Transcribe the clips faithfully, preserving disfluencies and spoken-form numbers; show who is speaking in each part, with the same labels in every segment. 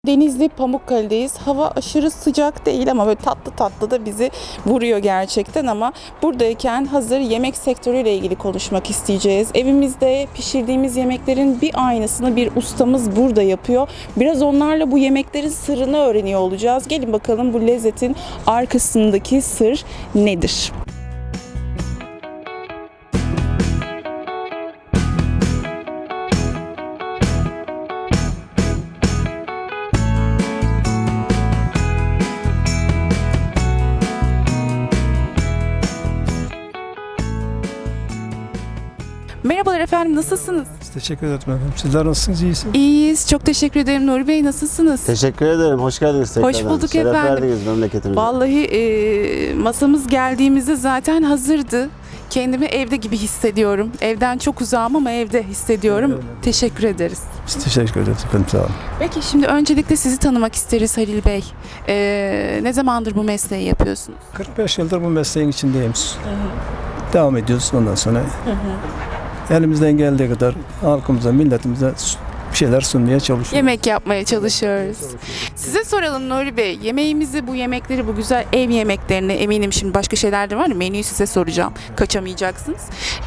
Speaker 1: Denizli Pamukkale'deyiz. Hava aşırı sıcak değil ama böyle tatlı tatlı da bizi vuruyor gerçekten, ama buradayken hazır yemek sektörüyle ilgili konuşmak isteyeceğiz. Evimizde pişirdiğimiz yemeklerin bir aynısını bir ustamız burada yapıyor. Biraz onlarla bu yemeklerin sırrını öğreniyor olacağız. Gelin bakalım bu lezzetin arkasındaki sır nedir? Merhabalar efendim, nasılsınız?
Speaker 2: Teşekkür ederim efendim. Sizler nasılsınız? İyisiniz?
Speaker 1: İyiyiz, çok teşekkür ederim. Nuri Bey, nasılsınız?
Speaker 3: Teşekkür ederim. Hoş geldiniz tekrardan.
Speaker 1: Hoş bulduk
Speaker 3: Şeref
Speaker 1: efendim.
Speaker 3: verdiniz memleketimize.
Speaker 1: Vallahi e, masamız geldiğimizde zaten hazırdı. Kendimi evde gibi hissediyorum. Evden çok uzağım ama evde hissediyorum.
Speaker 2: Öyle, öyle.
Speaker 1: Teşekkür ederiz.
Speaker 2: Biz teşekkür ederiz efendim. Sağ olun.
Speaker 1: Peki şimdi öncelikle sizi tanımak isteriz Halil Bey. E, ne zamandır bu mesleği yapıyorsunuz?
Speaker 2: kırk beş yıldır bu mesleğin içindeyim. Devam ediyoruz ondan sonra. Elimizden geldiği kadar halkımıza, milletimize bir şeyler sunmaya çalışıyoruz.
Speaker 1: Yemek yapmaya çalışıyoruz. Size soralım Nuri Bey. Yemeğimizi, bu yemekleri, bu güzel ev yemeklerini, eminim şimdi başka şeyler de var ya, menüyü size soracağım. Kaçamayacaksınız.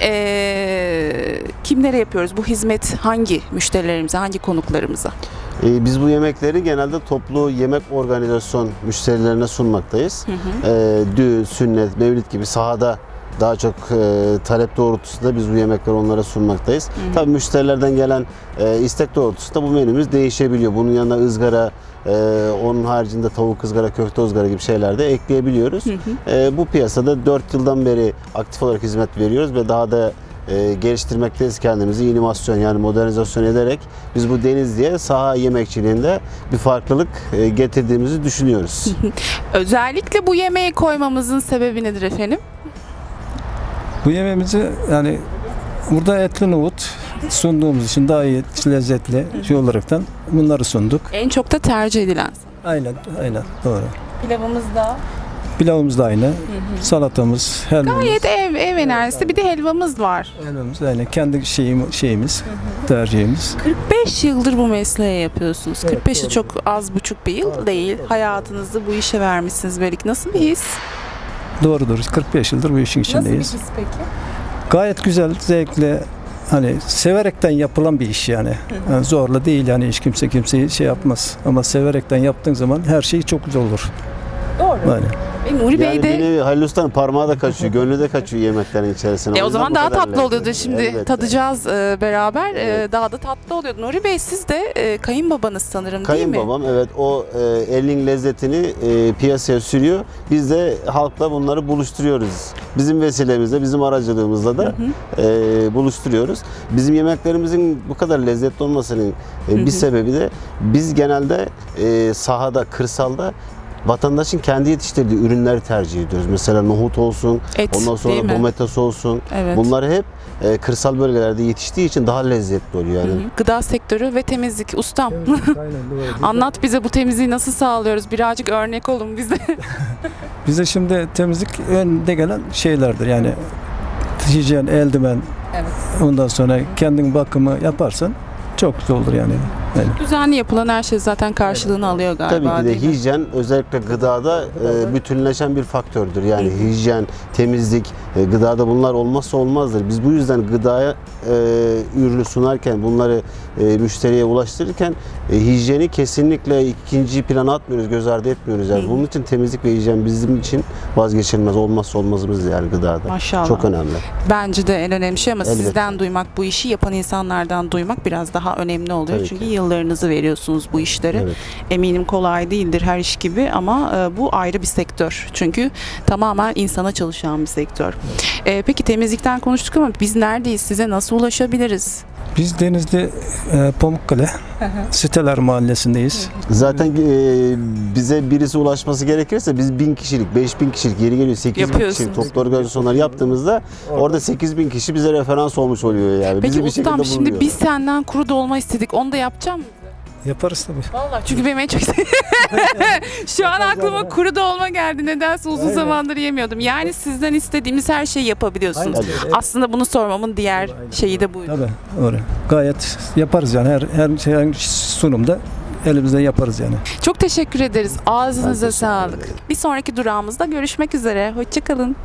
Speaker 1: Ee, kimlere yapıyoruz? Bu hizmet hangi müşterilerimize, hangi konuklarımıza?
Speaker 3: Ee, biz bu yemekleri genelde toplu yemek organizasyon müşterilerine sunmaktayız.
Speaker 1: Hı hı.
Speaker 3: Ee, düğün, sünnet, mevlid gibi sahada daha çok e, talep doğrultusunda biz bu yemekleri onlara sunmaktayız. Hı hı. Tabii müşterilerden gelen e, istek doğrultusunda bu menümüz değişebiliyor. Bunun yanına ızgara, e, onun haricinde tavuk ızgara, köfte ızgara gibi şeyler de ekleyebiliyoruz. Hı hı. E, bu piyasada dört yıldan beri aktif olarak hizmet veriyoruz ve daha da e, geliştirmekteyiz kendimizi. İnimasyon, yani modernizasyon ederek biz bu Denizli'ye saha yemekçiliğinde bir farklılık e, getirdiğimizi düşünüyoruz.
Speaker 1: Özellikle bu yemeği koymamızın sebebi nedir efendim?
Speaker 2: Bu yemeğimizi yani burada etli nohut sunduğumuz için daha iyi, lezzetli şey olaraktan bunları sunduk.
Speaker 1: En çok da tercih edilen.
Speaker 2: Aynen, aynen doğru.
Speaker 1: Pilavımız da
Speaker 2: Pilavımız da aynı. Hı hı. Salatamız, helvamız.
Speaker 1: gayet ev, ev enerjisi. Bir de helvamız var.
Speaker 2: Helvamız aynı. Kendi şeyim, şeyimiz, hı hı. tercihimiz.
Speaker 1: kırk beş yıldır bu mesleği yapıyorsunuz.
Speaker 2: Evet,
Speaker 1: kırk beşi
Speaker 2: doğru.
Speaker 1: çok az buçuk bir yıl
Speaker 2: Doğru,
Speaker 1: değil.
Speaker 2: doğru.
Speaker 1: Hayatınızı bu işe vermişsiniz belki. Nasıl bir his?
Speaker 2: Doğrudur. kırk beş yıldır bu işin içindeyiz.
Speaker 1: Nasıl bir his peki?
Speaker 2: Gayet güzel, zevkli, hani severekten yapılan bir iş yani. Yani zorla değil yani, hiç kimse kimseyi şey yapmaz. Ama severekten yaptığın zaman her şey çok güzel olur.
Speaker 1: Doğru.
Speaker 2: Yani.
Speaker 1: E, Nuri Bey
Speaker 3: Yani
Speaker 1: de
Speaker 3: beni Halil Usta'nın parmağı da kaçıyor, gönlü de kaçıyor yemeklerin içerisine.
Speaker 1: e, o
Speaker 3: yüzden
Speaker 1: zaman
Speaker 3: bu
Speaker 1: daha
Speaker 3: kadar
Speaker 1: tatlı
Speaker 3: lezzetli.
Speaker 1: oluyordu. Şimdi
Speaker 3: Elbette.
Speaker 1: tadacağız e, beraber.
Speaker 3: Evet.
Speaker 1: E, daha da tatlı oluyordu. Nuri Bey, siz de e, kayınbabanız sanırım, değil mi?
Speaker 3: Kayınbabam, evet, o e, elin lezzetini e, piyasaya sürüyor. Biz de halkla bunları buluşturuyoruz. Bizim vesilemizle, bizim aracılığımızla da
Speaker 1: Hı hı.
Speaker 3: e, buluşturuyoruz. Bizim yemeklerimizin bu kadar lezzetli olmasının e,
Speaker 1: Hı
Speaker 3: bir
Speaker 1: hı.
Speaker 3: sebebi de biz genelde e, sahada, kırsalda vatandaşın kendi yetiştirdiği ürünleri tercih ediyoruz. Mesela nohut olsun,
Speaker 1: Et,
Speaker 3: ondan
Speaker 1: değil
Speaker 3: sonra
Speaker 1: mi?
Speaker 3: domates olsun.
Speaker 1: Evet.
Speaker 3: Bunlar hep e, kırsal bölgelerde yetiştiği için daha lezzetli oluyor yani.
Speaker 1: Hı hı. Gıda sektörü ve temizlik. Ustam, anlat bize, bu temizliği nasıl sağlıyoruz? Birazcık örnek olun bize.
Speaker 2: Bize şimdi temizlik önde gelen şeylerdir yani, hijyen, eldiven,
Speaker 1: Evet.
Speaker 2: ondan sonra kendin bakımı yaparsan çok güzel olur yani. Yani
Speaker 1: Düzenli yapılan her şey zaten karşılığını alıyor galiba.
Speaker 3: Tabii ki de
Speaker 1: değil mi?
Speaker 3: hijyen özellikle gıdada e, bütünleşen bir faktördür. Yani hijyen, temizlik, e, gıdada bunlar olmazsa olmazdır. Biz bu yüzden gıdaya e, ürünü sunarken, bunları e, müşteriye ulaştırırken e, hijyeni kesinlikle ikinci plana atmıyoruz, göz ardı etmiyoruz. Yani bunun için temizlik ve hijyen bizim için vazgeçilmez, olmazsa olmazımız yani gıdada.
Speaker 1: Maşallah.
Speaker 3: Çok önemli.
Speaker 1: Bence de en önemli şey, ama
Speaker 3: Elbette.
Speaker 1: sizden duymak, bu işi yapan insanlardan duymak biraz daha önemli oluyor.
Speaker 3: Tabii
Speaker 1: Çünkü
Speaker 3: ki.
Speaker 1: yıllarınızı veriyorsunuz bu işlere.
Speaker 3: Evet.
Speaker 1: Eminim kolay değildir her iş gibi, ama e, bu ayrı bir sektör. Çünkü tamamen insana çalışan bir sektör. E, peki temizlikten konuştuk ama biz neredeyiz? Size nasıl ulaşabiliriz?
Speaker 2: biz Denizli e, Pamukkale Siteler Mahallesi'ndeyiz.
Speaker 3: Zaten e, bize birisi ulaşması gerekirse biz bin kişilik, beş bin kişilik, yeri geliyor sekiz bin
Speaker 1: Yapıyorsunuz.
Speaker 3: kişilik toplu organizasyonlar yaptığımızda orada sekiz bin kişi bize referans olmuş oluyor yani.
Speaker 1: Peki
Speaker 3: Bizi bir
Speaker 1: ustam,
Speaker 3: şekilde
Speaker 1: şimdi
Speaker 3: buluyor.
Speaker 1: biz senden kuru dolma istedik. Onu da yapacağım mı?
Speaker 2: Yaparız tabii.
Speaker 1: Vallahi çünkü benim en çok şu an aklıma kuru dolma geldi. Nedense uzun
Speaker 2: Aynen.
Speaker 1: zamandır yemiyordum. Yani sizden istediğimiz her şeyi yapabiliyorsunuz.
Speaker 2: Aynen.
Speaker 1: Aslında bunu sormamın diğer şeyi de buydu.
Speaker 2: Tabii, doğru. Gayet yaparız yani, her her şey, her sunumda elimizden yaparız yani.
Speaker 1: Çok teşekkür ederiz. Ağzınıza
Speaker 3: Ben teşekkür
Speaker 1: sağlık.
Speaker 3: ederim.
Speaker 1: Bir sonraki durağımızda görüşmek üzere. Hoşçakalın.